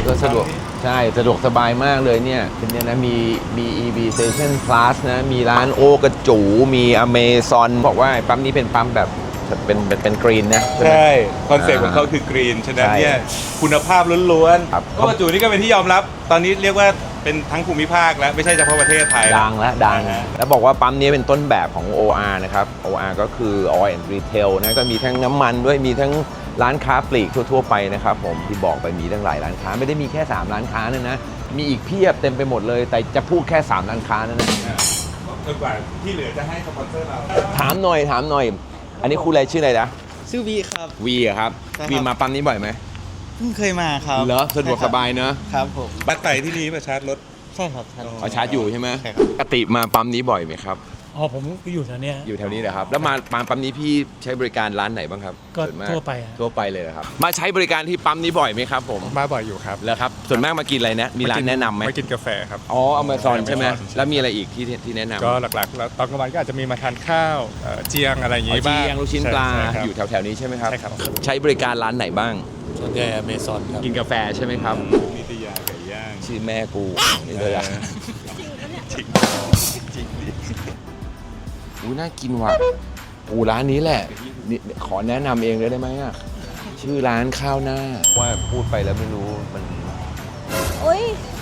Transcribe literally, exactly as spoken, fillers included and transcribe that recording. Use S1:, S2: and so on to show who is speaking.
S1: ก็สะดวกใช่สะดวกสบายมากเลยเนี่ยเป็นเนี่ยนะมีมี อี วี Station Plus นะมีร้านโอกระจูมี Amazon บอกว่าปั๊มนี้เป็นปั๊มแบบเป็นเป็นเป็นกรีนนะใช่ไหม
S2: ใช่คอนเซ็ปต์ของเขาคือกรีนฉะนั้นเนี่ยคุณภาพล้วน
S1: ครับ
S2: ๆโอกระจูนี่ก็เป็นที่ยอมรับตอนนี้เรียกว่าเป็นทั้งภูมิภาคแล้วไม่ใช่เฉพาะประเทศไทย
S1: ดังและดัง
S2: นะฮะ
S1: แล้วบอกว่าปั๊มนี้เป็นต้นแบบของ โอ อาร์ นะครับ โอ อาร์ ก็คือ Oil and Retail นะก็มีทั้งน้ำมันด้วยมีทั้งร้านค้าปลีกทั่วๆไปนะครับผมที่บอกไปมีทั้งหลายร้านค้าไม่ได้มีแค่สามร้านค้านะนะมีอีกเพียบเต็มไปหมดเลยแต่จะพูดแค่สามร้านค้านั่นนะ
S2: จนกว่าที่เหลือจะให้สปอนเซอร์เรา
S1: ถามหน่อยถามหน่อย อันนี้ครูอะไรชื่ออะไรนะ
S3: ชื่อวีครับ
S1: วีอะครับ
S3: ใช่ครับ
S1: วีมาปั๊มนี้บ่อยไหม
S3: เพิ่งเคยมาครับ
S1: เหรอสะดวกสบายเนอะ
S3: ครับผม
S2: บัตรไต่ที่นี่มาชาร์จรถ
S3: ใช่ครับใช่
S1: เอาชาร์จอยู่ใช่ไหม
S3: ใช่ครับ
S1: ปกติมาปั๊มนี้บ่อยไหมครับ
S4: อ๋อผมอยู่แถวเนี้ย
S1: อยู่แถวนี้เหรอครับแล้วมามาปั๊มนี้พี่ใช้บริการร้านไหนบ้างครับ
S4: ก็
S1: ส่วนมาก
S4: ทั่วไปอะ
S1: ทั่วไปเลยเหรอครับมาใช้บริการที่ปั๊มนี้บ่อยไหมครับผม
S5: มาบ่อยอยู่ครับ
S1: แล้วครับส่วนมากมากินอะไรนะมีร้านแนะนำไหม
S5: มากินกาแฟครับ
S1: อ๋ออเมซอนใช่ไหม
S5: Amazon
S1: แล้วมีอะไรอีกที่ที่แนะนำ
S5: ก็หลักๆแล้วตอนกลางวันก็อาจจะมีมาทานข้าวเอ่อเจียงอะไรอย่าง
S1: อ๋อ
S5: งี้บ้าง
S1: เจียงลูกชิ้นปลา
S5: ใช่ครับ
S1: อยู่แถวๆนี้ใช่ไหมครับ
S5: ใช่ครับ
S1: ใช้บริการร้านไหนบ้าง
S4: ส่วนใหญ่อเมซอนครับ
S1: กินกาแฟใช่ไหมครับ
S2: นิตยาไก่ย่าง
S1: ชื่อแม่กูนี่เลยอะ
S2: จริงจริงดิ
S1: อุ้ยน่ากินว่ะอูร้านนี้แหละนี่ขอแนะนำเองเลยได้ไหมอะชื่อร้านข้าวหน้าว่าพูดไปแล้วไม่รู้มัน
S6: โอ้ย